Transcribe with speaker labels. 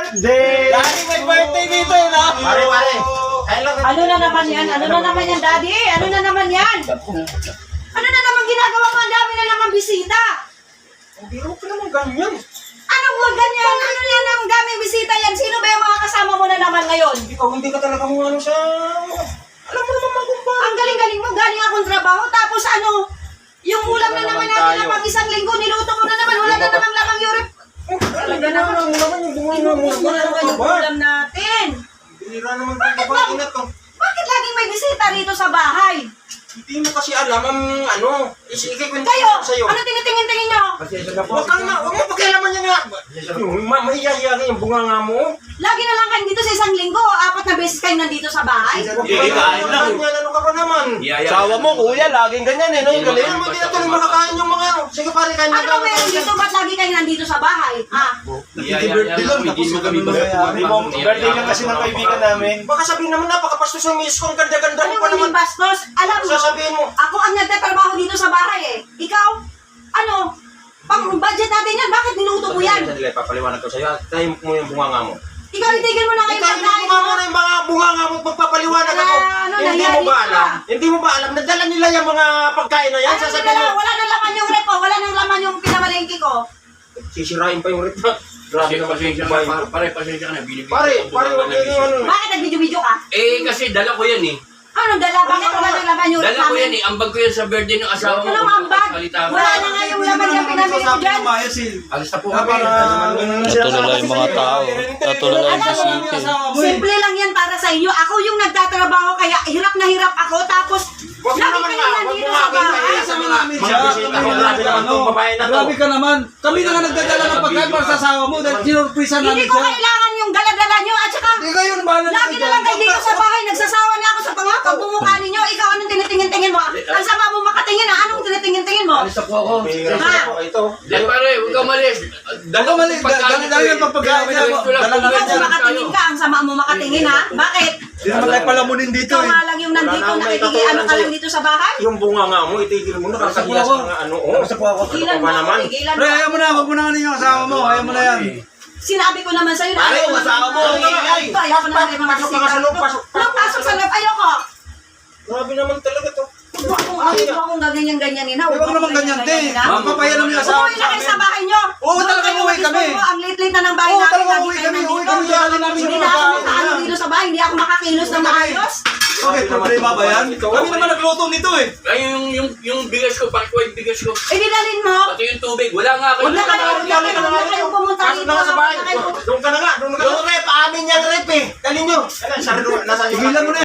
Speaker 1: birthday!
Speaker 2: Daddy, may birthday dito eh, no?
Speaker 1: Pare.
Speaker 3: Ano na naman yan? Ano na naman yan, Daddy? Ano na naman yan? Ano na naman ginagawa mo? Ang dami na naman bisita.
Speaker 2: Hindi ko naman ganyan.
Speaker 3: Ano mo ganyan? Ano yan ang daming bisita yan? Sino ba yung mga kasama mo na naman ngayon?
Speaker 2: Ikaw hindi ka talaga mo ano sa... Alam mo naman magumpay.
Speaker 3: Ang galing-galing mo, galing akong trabaho, tapos ano, yung ulam na naman natin na pag isang linggo, niluto mo na naman, wala na namang lamang yung rep.
Speaker 2: Talaga naman yung bunga
Speaker 3: Inuubos mo na naman yung ulam natin.
Speaker 2: Bira naman
Speaker 3: Bakit
Speaker 2: ko
Speaker 3: ba?
Speaker 2: ba inat ko?
Speaker 3: Bakit laging may bisita rito sa bahay?
Speaker 2: Hindi mo kasi alam ang ano. Isikay ko
Speaker 3: Kayo,
Speaker 2: sa'yo.
Speaker 3: ano tinitingin-tingin nyo?
Speaker 2: Huwag mo pakialaman niya nga. Mahihiya yung bunga nga mo.
Speaker 3: Lagi na lang kayo dito sa isang linggo, 4 na beses kayo nandito sa bahay.
Speaker 1: kain lang.
Speaker 2: Ano ka ba naman?
Speaker 1: Sawa mo, kuya, laging ganyan eh, no? Yung galing.
Speaker 2: Kaya mo hindi na tuloy makakain yung mga ano. Sige pare, kain
Speaker 3: Ano ba meron dito? Ba't lagi kayo nandito sa bahay?
Speaker 1: Birthday lang, tapos kami birthday lang kasi ng kaibigan namin.
Speaker 2: Baka sabihin naman napakapastos yung miss ko. Ang ganda-ganda
Speaker 3: Ano
Speaker 2: mo pa
Speaker 3: mo
Speaker 2: naman.
Speaker 3: yung bastos? Alam mo,
Speaker 2: Sasabihin mo.
Speaker 3: ako ang nagtatrabaho dito sa bahay eh. Ikaw, ano, pang budget natin yan, bakit niluto mo yan?
Speaker 2: Sandali, papaliwanag ko sa'yo. Tayo mo yung bunga nga mo.
Speaker 3: Ikaw, itigil mo na kayo
Speaker 2: Ikaw,
Speaker 3: pagkain
Speaker 2: bunga mo
Speaker 3: mo.
Speaker 2: na yung mga bunga nga mo magpapaliwanag ako.
Speaker 3: Ano,
Speaker 2: Hindi mo
Speaker 3: nahiya
Speaker 2: ba
Speaker 3: ka.
Speaker 2: alam? Hindi mo ba alam? Nadala nila yung mga pagkain na yan.
Speaker 3: Ano,
Speaker 2: Sasabihin mo.
Speaker 3: wala nang laman yung repo, wala nang laman yung pinamalengke ko.
Speaker 2: Sisirain pa yung rip na. Grabe naman
Speaker 4: Pasensya
Speaker 2: yung buhay
Speaker 4: ka,
Speaker 2: mo.
Speaker 4: pasensya ka na. Binibigyan
Speaker 2: Pare,
Speaker 4: ko
Speaker 2: pare,
Speaker 4: ng
Speaker 2: huwag kayo yung ano.
Speaker 3: Bakit nag-video-video ka?
Speaker 4: Eh, kasi dala ko yan eh.
Speaker 3: Ano, dala? Bakit wala nang laman yung
Speaker 4: Dala ko yan eh. Ambag ko yan sa birthday ng asawa mo.
Speaker 3: Anong ambag? Wala na nga yung laman yung pinamili mo dyan.
Speaker 4: Alis na po kami.
Speaker 5: Natulala yung mga tao. Natulala yung bisita.
Speaker 3: Simple lang yan para sa inyo. Ako yung nagtatrabaho, kaya hirap na hirap ako. Tapos,
Speaker 2: Huwag mo
Speaker 3: lagi
Speaker 2: naman
Speaker 3: kayo
Speaker 2: nga, huwag
Speaker 3: nandito
Speaker 2: mo
Speaker 3: sa
Speaker 2: nga
Speaker 3: bahay.
Speaker 2: mga bisita ko. Grabe naman itong babae na to.
Speaker 6: Grabe ka naman. Kami na nga nagdadala ng pagkain para sa asawa mo dahil sinurprisa
Speaker 3: Hindi
Speaker 6: namin
Speaker 3: ko
Speaker 6: siya.
Speaker 3: kailangan yung dala-dala nyo. At saka,
Speaker 6: Hindi kayo na bahala
Speaker 3: lagi na lang kayo dito sa bahay. Nagsasawa na ako sa pangakap bumukha ninyo. Ikaw, anong tinitingin-tingin mo? Ang sama mo makatingin ha? Anong tinitingin-tingin mo?
Speaker 4: Alis na po ako.
Speaker 2: Ito.
Speaker 4: Eh, pare, huwag ka malis.
Speaker 6: Huwag ka malis. Dala yung pagpagkain niya. Dala na
Speaker 3: Ikaw, kung makatingin ka, ang sama mo makatingin ha? Bakit?
Speaker 6: Hindi naman tayo palamunin dito
Speaker 3: Ikaw
Speaker 6: eh.
Speaker 3: nga lang yung nandito, nakikiano ka lang dito sa bahay?
Speaker 2: Yung bunga nga mo, itigil mo na. Kakahiyas
Speaker 6: ako.
Speaker 2: mga ano. Oh.
Speaker 6: Basta po ako.
Speaker 3: Tigilan mo
Speaker 2: ba
Speaker 3: ako,
Speaker 2: naman?
Speaker 3: tigilan mo.
Speaker 6: Pre, ayaw mo na. Huwag mo na kanin yung asawa mo. Ayaw mo na yan.
Speaker 3: Sinabi ko naman sa'yo na
Speaker 1: Pare, yung asawa mo, ingay.
Speaker 3: Ayaw ko na rin mga
Speaker 2: Pasok ka nga sa loob, pasok.
Speaker 3: Pasok sa loob, ayoko.
Speaker 2: Grabe naman talaga to.
Speaker 3: Huwag akong gaganyan-ganyanin ha.
Speaker 6: Huwag naman ganyan, te. Mapapayalam yung asawa
Speaker 3: Umuwi na kayo sa bahay nyo.
Speaker 6: Oo, talaga uuwi kami.
Speaker 3: Ang late-late na ng bahay
Speaker 6: Oo,
Speaker 3: namin.
Speaker 6: talaga
Speaker 3: lagi
Speaker 6: uuwi
Speaker 3: kayo
Speaker 6: kami. Uuwi
Speaker 3: nandito.
Speaker 6: kami. Dali namin
Speaker 3: Hindi
Speaker 6: yung
Speaker 3: na ako
Speaker 6: pagkain.
Speaker 3: makaano dito sa bahay. Hindi ako makakilos ng maayos.
Speaker 6: Okay, problema ba yan? Kami naman nagluto nito eh.
Speaker 4: Ay, yung bigas ko, bakit ko yung bigas ko?
Speaker 3: Eh, dinalin mo.
Speaker 4: Pati yung tubig, wala nga kayo.
Speaker 3: Huwag na kayong pumunta
Speaker 2: Pasok
Speaker 3: dito.
Speaker 2: na nga sa bahay.
Speaker 3: Huwag na kayo-
Speaker 2: Doon ka na nga. Doon ka na nga.
Speaker 1: Yung rep, amin yung rep eh.
Speaker 2: Dali nyo. Nasaan yung
Speaker 6: Tigilan mo na